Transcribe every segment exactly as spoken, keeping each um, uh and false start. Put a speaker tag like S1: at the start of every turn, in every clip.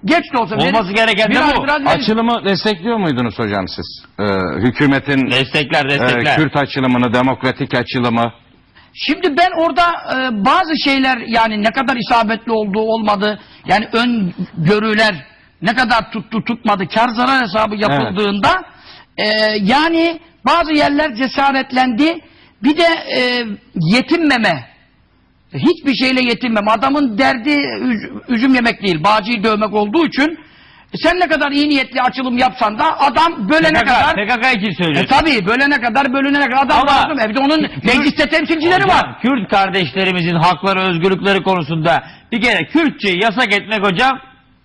S1: Geç de olsa.
S2: Olması
S1: verin,
S2: gereken de
S1: biraz,
S2: bu.
S1: biraz verin.
S3: Açılımı destekliyor muydunuz hocam siz? Ee, hükümetin
S2: Destekler
S3: e,
S2: destekler.
S3: Kürt açılımını, demokratik açılımı.
S1: Şimdi ben orada e, bazı şeyler yani ne kadar isabetli olduğu olmadı, yani ön görüler ne kadar tuttu tutmadı, kar zarar hesabı yapıldığında evet. e, yani bazı yerler cesaretlendi. Bir de e, yetinmeme, hiçbir şeyle yetinmeme. Adamın derdi üz, üzüm yemek değil, bağcıyı dövmek olduğu için sen ne kadar iyi niyetli açılım yapsan da adam bölene
S2: P K K,
S1: kadar...
S2: P K K için söylüyorsun.
S1: E tabi bölene kadar bölünene kadar adam
S2: Ama,
S1: lazım. E bir de onun mecliste temsilcileri
S2: hocam,
S1: var.
S2: Kürt kardeşlerimizin hakları, özgürlükleri konusunda bir kere Kürtçeyi yasak etmek hocam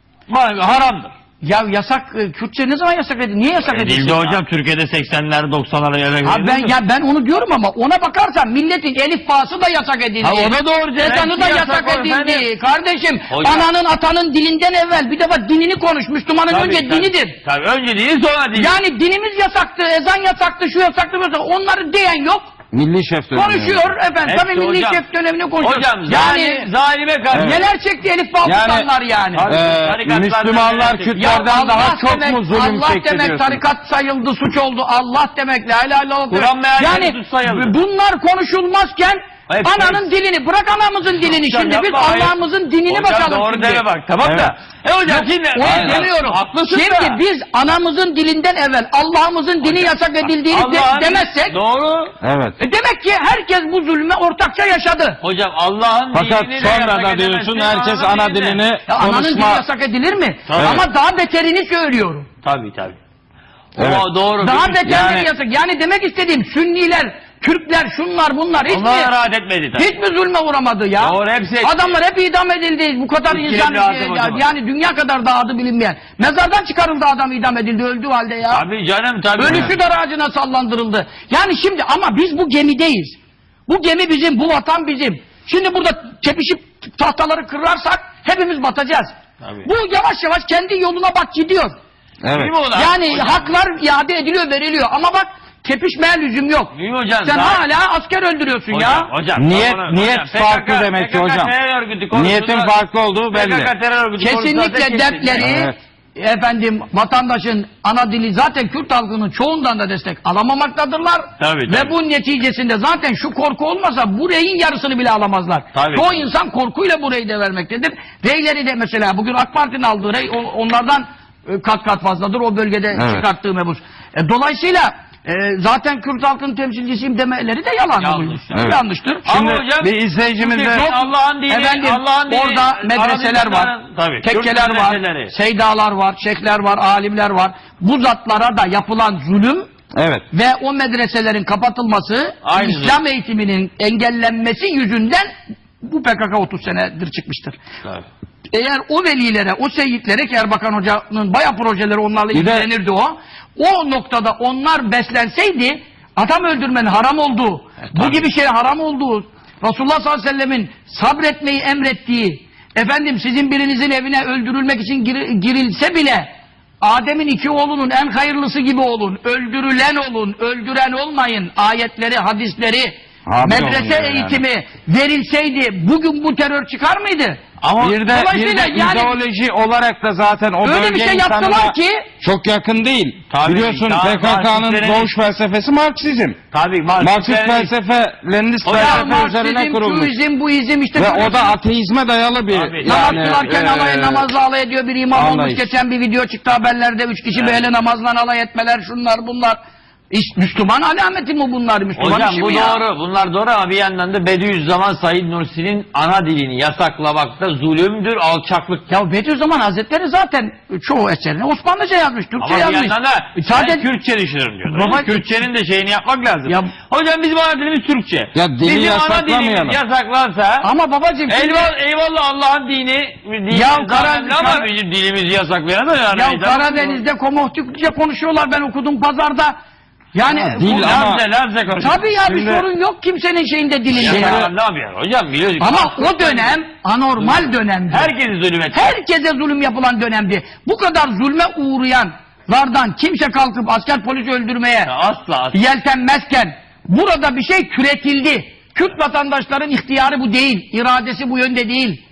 S2: haramdır.
S1: Ya yasak, e, Kürtçe ne zaman yasak edildi? Niye yasak edildi?
S2: Edildi hocam Türkiye'de seksenler doksanlar yasak edildi.
S1: Ha ben, ya ben onu diyorum ama ona bakarsan milletin elif bağısı da yasak edildi.
S2: Ha o da doğru.
S1: Ezanı da yasak, yasak edildi. Efendim. Kardeşim
S2: hocam,
S1: ananın atanın dilinden evvel bir defa dinini konuş. Müslümanın
S2: tabii,
S1: önce
S2: tabii,
S1: dinidir.
S2: Tabii önce dini sonra dini.
S1: Yani dinimiz yasaktı, ezan yasaktı, şu yasaktı, yasaktı. Onları diyen yok.
S3: Milli şef dönemi.
S1: Konuşuyor efendim.
S2: Hepsi
S1: Tabii milli
S2: hocam.
S1: şef dönemini konuşuyor.
S2: Hocam
S1: yani
S2: zalim, zalime karşı.
S1: evet. Neler çekti Elif Baltutanlar yani.
S3: yani. Ee, Müslümanlar Kürtlerden daha çok
S1: demek,
S3: mu zulüm
S1: Allah
S3: çekti
S1: demek
S3: diyorsun?
S1: tarikat sayıldı, suç oldu. Allah demek, la ilahe illallah.
S2: Kur'an meali
S1: yani
S2: suç sayıldı.
S1: bunlar konuşulmazken
S2: Hepsi,
S1: ananın
S2: hepsi.
S1: dilini, bırak anamızın dilini
S2: Hocam,
S1: şimdi biz
S2: yapma,
S1: Allah'ımızın dinini
S2: hocam,
S1: bakalım
S2: doğru
S1: şimdi.
S2: deme bak tamam
S3: evet.
S2: da. E hocam şimdi.
S1: Onu demiyorum.
S2: Haklısın
S1: şimdi
S2: da.
S1: biz anamızın dilinden evvel Allah'ımızın dini yasak edildiğini de, demezsek.
S2: Doğru.
S3: Evet.
S1: E demek ki herkes bu zulme ortakça yaşadı.
S2: Hocam Allah'ın
S3: Fakat
S2: dilini
S3: sonra da diyorsun herkes ana dilini
S1: Ya ananın dili
S3: konuşma.
S1: yasak edilir mi?
S2: Tabii.
S1: Ama daha beterini söylüyorum.
S2: Tabii tabii.
S3: Evet.
S2: O doğru.
S1: Daha beterleri
S3: yani...
S1: yasak. Yani demek istediğim Sünniler, Türkler, şunlar bunlar hiç
S2: Onlar
S1: mi,
S2: rahat etmedi tabii.
S1: hiç mi zulme uğramadı ya?
S2: Doğru, hepsi etti.
S1: Adamlar hep idam edildi. Bu kadar
S2: Hiç
S1: insan
S2: kimse rahat
S1: e,
S2: etmedi.
S1: yani dünya kadar da adı bilinmeyen. Mezardan çıkarıldı adam, idam edildi öldüğü halde ya.
S2: Tabii canım tabii.
S1: Ölüsü dar ağacına sallandırıldı. Yani şimdi ama biz bu gemideyiz. Bu gemi bizim, bu vatan bizim. Şimdi burada tepişip tahtaları kırarsak hepimiz batacağız.
S2: Tabii.
S1: Bu yavaş yavaş kendi yoluna bak gidiyor.
S3: Evet.
S1: Yani
S2: hocam,
S1: haklar iade ediliyor, veriliyor. Ama bak tepişmeye lüzum yok.
S2: Değil hocam,
S1: sen
S2: daha...
S1: hala asker öldürüyorsun
S2: hocam,
S1: ya.
S2: Hocam,
S3: Niyet
S2: hocam,
S3: niyet
S2: hocam,
S3: farklı
S2: P K K,
S3: demek ki
S2: P K K
S3: hocam.
S2: terör örgütü konusunda,
S3: Niyetin farklı olduğu belli.
S2: P K K terör örgütü
S1: Kesinlikle dertleri
S3: Evet.
S1: efendim vatandaşın ana dili zaten Kürt halkının çoğundan da destek alamamaktadır.
S2: Tabii,
S1: Ve
S2: tabii.
S1: bu neticesinde zaten şu korku olmasa bu reyin yarısını bile alamazlar.
S2: Tabii.
S1: Çoğu insan korkuyla bu reyi de vermektedir. Reyleri de mesela bugün AK Parti'nin aldığı rey o- onlardan e, kat kat fazladır o bölgede
S3: Evet.
S1: çıkarttığı mebus. E, dolayısıyla e, zaten Kürt halkının temsilcisiyim demeleri de yalan.
S2: Yanlış.
S1: Evet. Yanlıştır.
S3: Şimdi
S2: Ama hocam,
S3: bir izleyicimiz de
S2: Türkiye Allah'ın dini,
S1: Efendim
S2: Allah'ın dini,
S1: orada medreseler var,
S2: Arabistan- tabii,
S1: tekkeler
S2: Kürt
S1: var,
S2: medreseleri.
S1: seydalar var, şeyhler var, alimler var. Bu zatlara da yapılan zulüm
S3: evet.
S1: ve o medreselerin kapatılması,
S2: Aynı
S1: İslam eğitiminin engellenmesi yüzünden bu P K K otuz senedir çıkmıştır.
S2: Tabii.
S1: Eğer o velilere, o seyyidlere ki Erbakan Hoca'nın bayağı projeleri onlarla
S3: Bir de-
S1: ilgilenirdi o. O noktada onlar beslenseydi adam öldürmenin haram olduğu, bu
S2: tabii.
S1: gibi şey haram olduğu, Resulullah sallallahu aleyhi ve sellemin sabretmeyi emrettiği, efendim sizin birinizin evine öldürülmek için gir- girilse bile Adem'in iki oğlunun en hayırlısı gibi olun, öldürülen olun, öldüren olmayın ayetleri, hadisleri,
S3: Abi
S1: medrese
S3: oluyor yani.
S1: eğitimi verilseydi bugün bu terör çıkar mıydı?
S2: Ama
S3: Bir de, bir
S1: Dolayısıyla
S3: de
S1: yani-
S3: ideoloji olarak da zaten o
S1: Öyle
S3: bölge
S1: bir şey
S3: insanına
S1: yaptılar ki
S3: çok yakın değil.
S2: Tabii,
S3: Biliyorsun
S2: daha-
S3: P K K'nın
S2: Marksistlerin-
S3: doğuş felsefesi Marksizm.
S2: Tabii
S3: Marksist felsefe, Leninist
S2: Hocam,
S3: felsefe üzerine
S1: Marksizm,
S3: kurulmuş.
S1: şu izim, bu izim işte.
S3: Ve
S1: böyle-
S3: o da ateizme dayalı bir
S2: Tabii,
S1: Namaz
S3: yani,
S1: kılarken
S3: e,
S1: alay, namazla alay ediyor bir imam olmuş.
S3: anlayış.
S1: Geçen bir video çıktı haberlerde. Üç kişi
S2: Evet.
S1: böyle namazla alay etmeler, şunlar bunlar. İş, Müslüman alameti mi bunlar? Müslüman
S2: Hocam
S1: işi
S2: bu
S1: mi ya?
S2: doğru. Bunlar doğru ama bir yandan da Bediüzzaman Said Nursi'nin ana dilini yasaklamakta zulümdür, alçaklık.
S1: Ya Bediüzzaman Hazretleri zaten çoğu eserini Osmanlıca yazmış, Türkçe
S2: Ama bir
S1: yazmış.
S2: yandan da
S1: E, sadece
S2: ben Kürtçe düşünürüm diyor.
S1: Baba-
S2: Kürtçenin de şeyini yapmak lazım.
S1: Ya-
S2: Hocam bizim ana dilimiz Türkçe.
S3: Ya dili
S2: bizim ana
S3: yasaklamayalım.
S2: dilimiz yasaklansa
S1: ama babacığım şimdi-
S2: eyvallah, eyvallah Allah'ın dini, dini
S1: Ya
S2: zaten
S1: Kara-
S2: ama
S1: Kara-
S2: bizim dilimizi yasaklayan da yani.
S1: ya Karadeniz'de Komahtikçe konuşuyorlar, ben okudum pazarda. Yani
S3: Ya dil
S1: bu-
S3: ama-
S2: Labze, labze konuşuyor.
S1: tabii ya bir
S3: Şimdi-
S1: sorun yok kimsenin şeyinde dilinde
S2: Ya,
S1: ya.
S2: ne yapıyor hocam biliyorsun.
S1: Ama o dönem anormal dönemdi.
S2: herkesi zulüm etti.
S1: Herkese zulüm yapılan dönemdi. Bu kadar zulme uğrayanlardan kimse kalkıp asker polis öldürmeye
S2: Ya asla asla.
S1: yeltenmezken burada bir şey türetildi. Kürt vatandaşların ihtiyarı bu değil, iradesi bu yönde değil.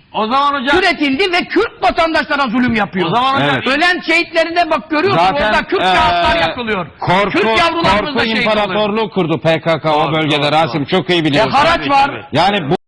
S2: O zaman hocam
S1: Türetildi ve Kürt vatandaşlara zulüm yapıyor.
S2: o zaman hocam
S3: Evet.
S1: Ölen şehitlerine bak görüyorsun
S3: Zaten,
S1: orada Kürt
S3: eee,
S1: kağıtlar yakılıyor.
S3: Korku,
S1: Kürt yavrularımız
S3: korku
S1: da şehit oluyor.
S3: imparatorluğu kurdu P K K o
S2: Doğru,
S3: bölgede
S2: doğru,
S3: Rasim
S2: doğru.
S3: çok iyi
S1: E,
S3: biliyorsun.
S1: haraç var.
S2: tabii.
S3: Yani bu